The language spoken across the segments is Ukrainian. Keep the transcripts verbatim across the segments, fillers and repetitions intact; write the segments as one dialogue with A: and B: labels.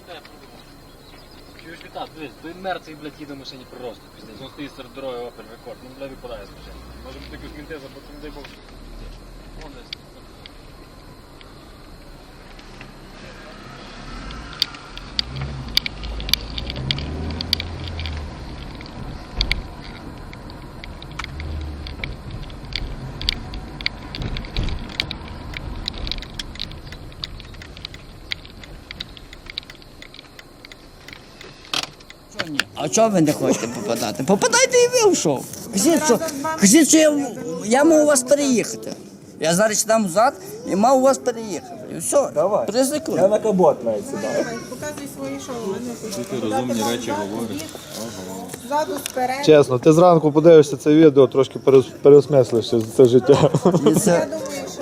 A: Чуєш, Вітас, дивись, той мертвий, блядь, їде в машині просто піздець. Він стоїть серед дороги, опер рекорд. Ну, блядь, випадає з машини. Може бути якусь мінтеза, бо не дай Бог. Вон десь.
B: А чого ви не хочете попадати? Попадайте і ви в шоу. Кажіть, що, кажіть, що я, я мав у вас переїхати. Я зараз там взад і мав у вас переїхати. І все,
C: Давай.
B: призикую.
C: Я на кабот навіть сідаю.
D: Показуй свої шоу.
E: Тільки розумні речі говориш.
D: Ззаду, спереду.
C: Чесно, ти зранку подивишся це відео, трошки перес- переосмислишся це життя.
B: І це,
D: Я думаю, що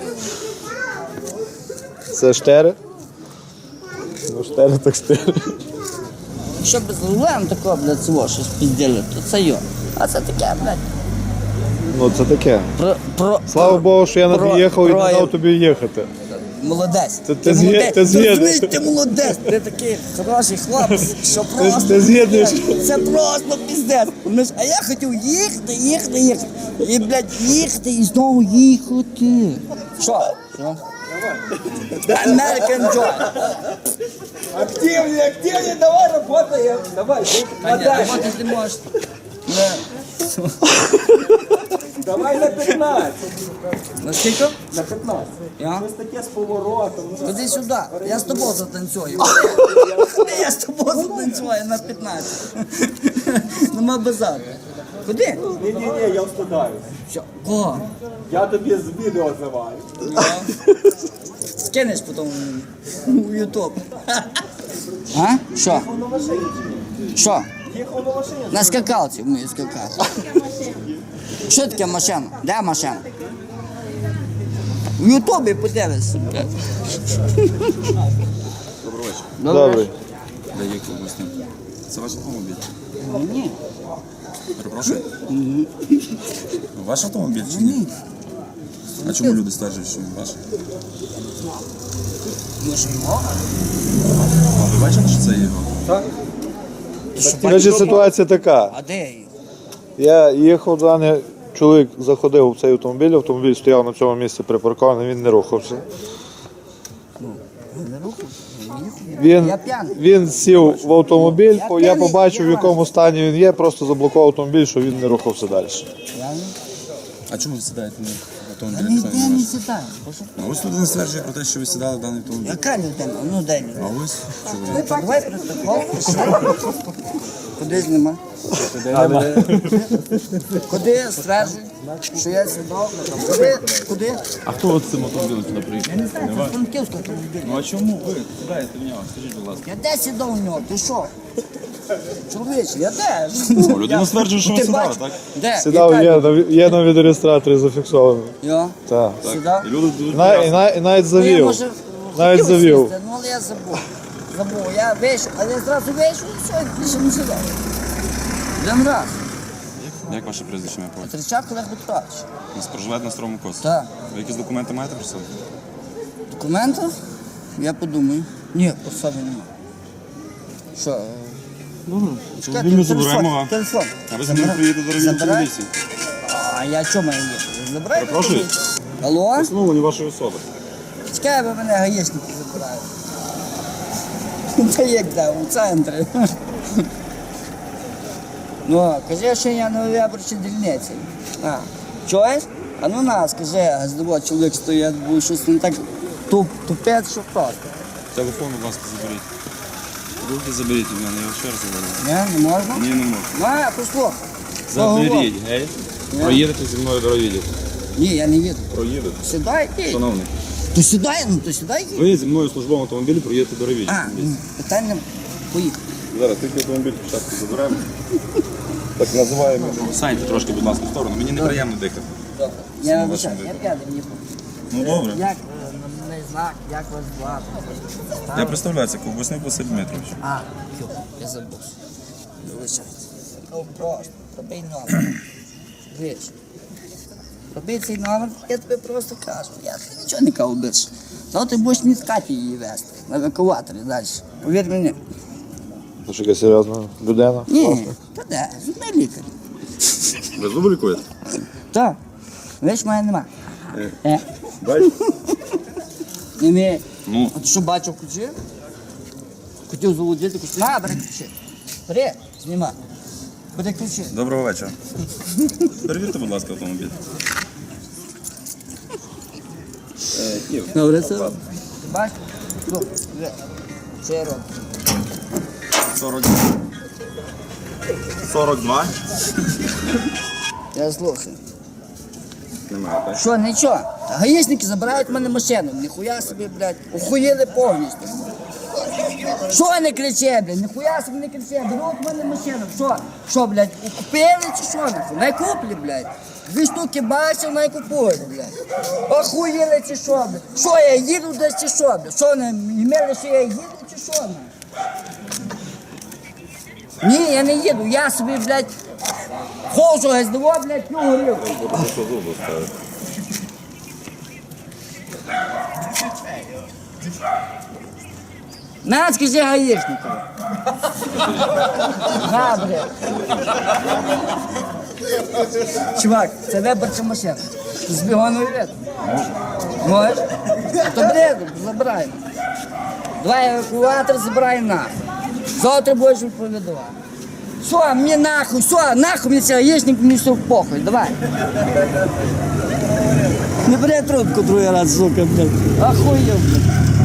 C: Це штери? Ну, штери так штери.
B: щоб з рулем такого, блядь, свого щось пізділи, то це йо. А це таке, блядь,
C: Ну, це таке.
B: про, про,
C: Слава Богу, що я не
B: про-
C: приїхав і не
B: про-
C: дав тобі їхати.
B: Молодець.
C: Ти- ти з'є-
B: молодець.
C: ти з'єднуєш.
B: Розумієш, ти молодець. Ти такий хороший хлопець, що просто...
C: ти з'єднуєш.
B: блядь, це просто піздець. Розумієш, а я хотів їхати, їхати, їхати. І, блядь, їхати і знову їхати. Що? Що? American Joy.
F: Активнее, активнее, давай работаем. Давай,
B: А ні, роботи ти можеш. Не.
F: давай на пятнадцать.
B: На скільки?
F: На пятнадцать.
B: Я?
F: Ось таке з поворотом.
B: Ходи сюди, я з тобою затанцюю. Я з тобою затанцюю на п'ятнадцять. Нема базару. Куди?
F: Ні-ні-ні, я встидаюсь.
B: Що? Кого?
F: Я тобі з відео зриваю.
B: Я. Скинеш потім у Ютуб. А? Що? Що?
F: Їхав на машині.
B: На скакалці вмію скакати. Що таке машина? Де машина? В Ютубі подивишся.
E: Добрий вечір.
C: Добре.
E: Де їхав гостям? Це ваш автомобіль?
B: Ні.
E: Перепрошую? Ваш автомобіль чи ні? А чому люди стверджують, що він ваш?
B: Може його?
E: А ви бачили, що це його?
C: Значить, ситуація така.
B: А де її?
C: Я їхав, даний чоловік заходив в цей автомобіль, автомобіль стояв на цьому місці припаркований, він не рухався.
B: Не рухав?
C: Він,
B: Я п'яний.
C: він сів в автомобіль,
B: Я
C: по- я
B: п'яний,
C: побачив, в
B: я-
C: якому стані він є, просто заблокував автомобіль, щоб він не рухався далі.
B: Я не...
E: А чому ви сідаєте на
B: Я
E: автомобіль?
B: ніде
E: якщо він
B: не
E: ваш?
B: сідаю.
E: А ось людина стверджує про те, що ви сідали в даний автомобіль.
B: Яка людина? Ну дай людина.
E: А ось чоловік.
B: Давай протокол. Куди знімай? Куди стверджуй, що я сідав? Куди? Куди?
E: А хто от цим автомобілем сюди приїхав?
B: Я не знаю, це Франківська автомобіль.
E: Ну а чому ви сідаєте в нього? Скажіть, будь ласка.
B: Я де сідав у нього? Ти що? Чоловіче, я де?
E: Ну, людина стверджує, що ви
B: Ти
E: сідали,
B: бачиш?
E: так?
B: Де?
C: Сідав,
B: Яка
C: є,
B: людина?
C: на- є на відеореєстраторі зафіксовано.
B: Я?
C: Так.
B: Сідав?
E: І люди дуже
C: І, на- і, на- і навіть
B: Ну, я,
C: завів.
B: може,
C: Навіть
B: хотів
C: завів.
B: сісти, ну, але я забув. Забув. Я вийшов, але я зразу вийшов і все, і більше не сідав. Один раз.
E: Як ваше прізвище ім'я по батькові?
B: Тричак Олег Петрович.
E: Ви проживаєте на Старому Косі?
B: Так.
E: Ви якісь документи маєте при собі?
B: Документи? Я подумаю. Ні, по собі немає. Що? е,
E: Добре.
B: чекайте,
E: Автомобіль ми
B: телефон,
E: заберемо.
B: Телефон.
E: А ви за ним приїдете до райвідділу
B: Забирай.
E: поліції?
B: А я чому маю їхати? Забирай.
E: Перепрошую?
B: Алло?
E: Встановлені вашої особи.
B: Чекай, ви мене гаїшники забирають. Та як де, у центрі. Ну, кажи, що я на виборчій дільниці. А, чуєш? А ну на, скажи, газдово, чоловік стоїть, бо щось не так туп, тупець, що просто.
E: Телефон, будь ласка, заберіть. Руки заберіть від мене, я вас ще раз говорю.
B: Ні, не можна?
E: Ні, не можу.
B: Ну, я послухай.
E: Заберіть, гей.
B: Ні.
E: Проїдете зі мною до райвідділу.
B: Ні, я не їду.
E: Проїдете.
B: Сідай, їдь.
E: Шановний,
B: То сідай, ну то сідай, їдь.
E: ви зі мною в службовому автомобілі проїдете до райвідділу.
B: А, ну, питань нема. Поїхали.
E: Зараз тільки автомобіль спочатку заберемо. Так називаємо. Саньте трошки, будь ласка, в сторону. Мені неприємно дихати.
B: Добре. Я
E: Самого
B: вибачаю,
E: вашого
B: я п'яний, мені похуй.
E: Ну добре.
B: Як е, номерний знак, як вас звати?
E: Я представляюся, Ковбасник Василь Дмитрович.
B: А, йо, я забув. Вибачайте. Ну, просто, робий номер. Виш. Роби цей номер, я тобі просто кажу. Я тобі нічого не кажу більше. То ти будеш не з Каті її вести, на евакуаторі далі. Повір мені.
C: Це ж яка серйозна людина.
B: Ні, та де, зубний лікар.
E: Ви зуби лікуєте?
B: Так, видиш, мене нема. Е.
E: Бачите?
B: Не вміє.
E: Ну.
B: А ти що бачив ключі? Хотів заводити ключі. На, бери ключі. Бери, знімай. Бери ключі.
E: Доброго вечора. Перевірте, будь ласка, автомобіль. Е, Київ.
B: Добре, це. Ти бачиш? Ну, диви. Що я роблю?
E: сорок сорок два.
B: Я слухаю.
E: Немає, так?
B: Що, нічого? Гаїшники забирають в мене машину. Ніхуя собі, блядь, охуєли повністю. Що не криче, блядь? Ніхуя собі не криче. Беруть в мене машину. Що? Що, блядь, купили чи що? нахуй? Не куплі, блядь. Дві штуки бачив, не купують, блядь. Охуєли чи що, блядь? Що, я їду десь чи що, блядь? Що, не імели, що я їду чи що, блядь? Ні, я не їду, я собі, блядь, ходжу, ГСДО, блядь, п'ю горілку. На, скажи гаїшнику. На, блядь. Чувак, це виборча машина. Ти з бігоною вид. Можеш? То бреду, забираємо. Давай евакуатор, забираємо нахуй. Завтра будеш відповідувати. Все, мені нахуй, все, нахуй мені цей гаїшник, мені все похуй, давай. Не бери трубку другий раз, сука, блядь. Охуєв, блядь.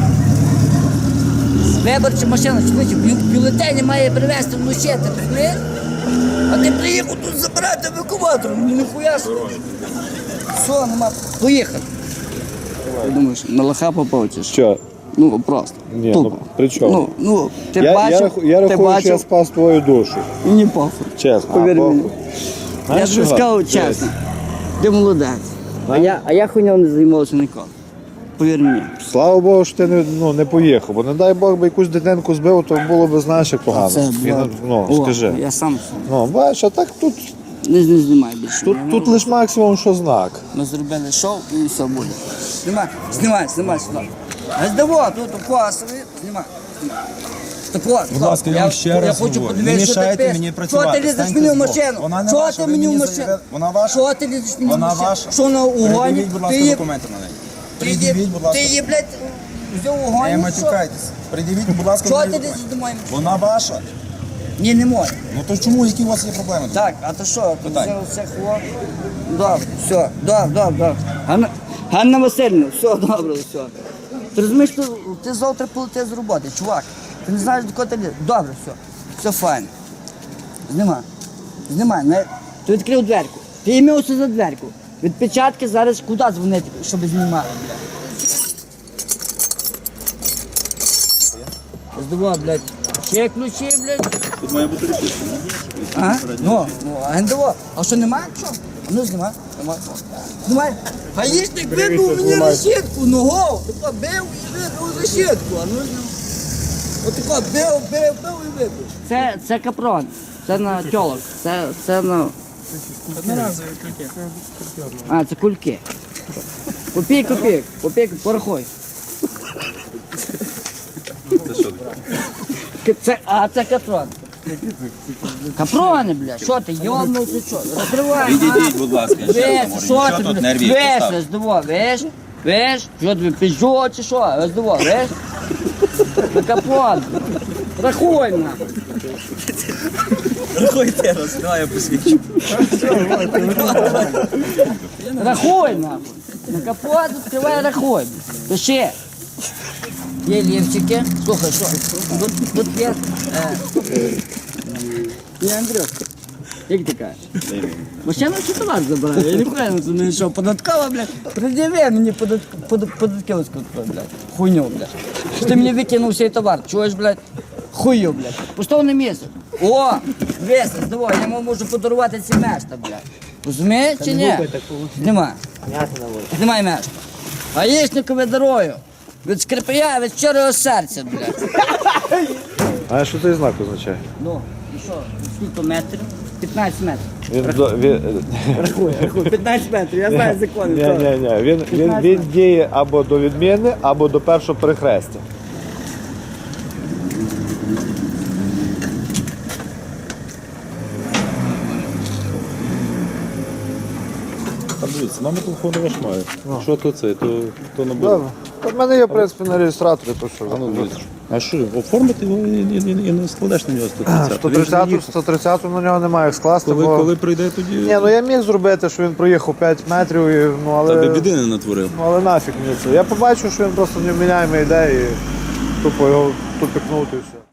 B: Виборча машина, швидше, бю- бюлетені має привезти вночі, ти розумієш? А ти приїхав тут забирати евакуатор, ну ніхуя собі. Все, нема, поїхали. Ти думаєш, на лоха попав чи що?
C: Що?
B: Ну, просто.
C: Ні,
B: Тупо.
C: ну при чому?
B: Ну, ну, ти
C: Я,
B: бачив,
C: я, раху- я
B: ти
C: рахую, що я
B: бачив,
C: спас твою душу.
B: і не похуй.
C: Чесно.
B: Повір
C: А,
B: мені.
C: похуй.
B: Я
C: Знаєш
B: тобі
C: чого?
B: сказав чесно. Ти молодець. А я, а я хуйням не займався ніколи. Повір мені.
C: Слава Богу, що ти не, ну, не поїхав, бо не дай Бог би якусь дитинку збив, то було б, знаєш, як погано.
B: Це,
C: І,
B: блядь.
C: ну,
B: О,
C: скажи.
B: Я сам
C: Ну, бачиш, а так тут,
B: не, не знімай більше.
C: тут, тут лише максимум, що знак.
B: Ми зробили шоу і все буде. Знімай, знімай, знімай сюди. ГСДО, тут косові, знімай. знімай. Так от,
E: Будь ласка, я вам ще раз
B: хочу
E: говорю,
B: подивитися,
E: не
B: що ти
E: мішайте
B: пишеш.
E: мені працювати,
B: Що ти лізеш
E: станьте
B: мені в
E: збоку.
B: машину?
E: Вона не
B: Що
E: ваша,
B: ти
E: ви
B: мені в
E: мені
B: машину?
E: заявили- вона ваша?
B: Що ти лізеш мені в
E: Вона
B: машину?
E: ваша.
B: Що на угоні?
E: Пред'явіть, будь ласка,
B: Ти її-
E: документи на неї.
B: ти її-
E: Пред'явіть, будь ласка.
B: Ти її, блядь, взяв
E: Не
B: угоні?
E: матюкайтесь. Пред'явіть, будь ласка,
B: Що
E: мені
B: ти
E: документи.
B: лізеш до моєї машини?
E: Вона ваша.
B: Ні, не можна.
E: Ну то чому, які у вас є проблеми?
B: Так, а то що? Ти
E: Питань.
B: взяв все хлоп? Добре, все, добре, добре, добре. Ганна, Ганна Васильівна, все добре, все. Ти розумієш, ти, ти завтра полетиш з роботи, чувак. Ти не знаєш, до кого ти лізеш. Добре, все, все файно. Знімай, знімай, не... Ти відкрив дверку. Ти ім'явся за дверку. Від печатки зараз куди дзвонити, щоб знімали, блядь. Здивав, блядь. Ще ключі, блядь.
E: Тут має бути репетиція.
B: А? Ну, ну, а НДО. А що немає? Що? А ну знімай, знімай. Знімай. Гаїшник вибив мені решітку, ногою. Тако бив і вибив решітку. А ну знімай. Отако бив, бив, бив і вибив. Це, це капрон. Це на тьолок. Це, це на... Одноразові кульки. А, це кульки. Копій, копій, копій, порахуй.
E: Це що таке?
B: Це, а це капрон. Капрони, бля, що ти, йобнувся, що? Розкривай,
E: Відійдіть, будь ласка, ще раз
B: Весь,
E: говорю.
B: що
E: Що
B: ти,
E: тут
B: бля?
E: нервів
B: Весь,
E: поставити?
B: роздово, весь, весь, що тобі, піжо чи що, роздово, весь? На капот, рахуй, нахуй.
E: Рахуйте раз, давай я посвідчу.
B: Рахуй, нахуй. На капот відкривай, рахуй. Пиши. Є лівчики. Слухай, що? Тут, тут є... Е, є Андрюшка. Як ти кажеш? Машина чи товар забирає? Я ніхуя не розумію, що податкова, блядь. Пред'яви мені подат, подат, податківську, блядь. Хуйню, блядь. Що ти мені викинув цей товар, чуєш, блядь? Хую, блядь. Пустовне місце. О, весело, давай, я йому можу подарувати ці мешта, блядь. Розумієш чи ні? Нема. Знімай мешта. Гаїшникові дорою. Від скрипая, від щирого серця, блядь.
C: А що цей знак означає?
B: Ну, і що, скільки метрів? п'ятнадцять метрів.
C: Він, до- він,
B: Рахуй, рахуй, п'ятнадцять метрів, я знаю закон.
C: ні, ні, ні. Він, він, він діє або до відміни, або до першого перехрестя.
E: Там дивіться, номер телефону ваш має. Що то це, то, то набуде.
C: Добре. В мене є, в принципі, на реєстраторі, то що.
E: А ну, дивіться. А що, оформити його і, і, і, і не складеш на нього сто тридцять.
C: сто тридцять, сто тридцять на нього немає як скласти,
E: Коли,
C: бо...
E: коли прийде, тоді
C: Ні, ну я міг зробити, що він проїхав п'ять метрів, і, ну,
E: та би
C: але...
E: біди не натворив.
C: Ну, але нафіг мені це. Я побачив, що він просто невміняємий йде і тупо його тупикнути і все.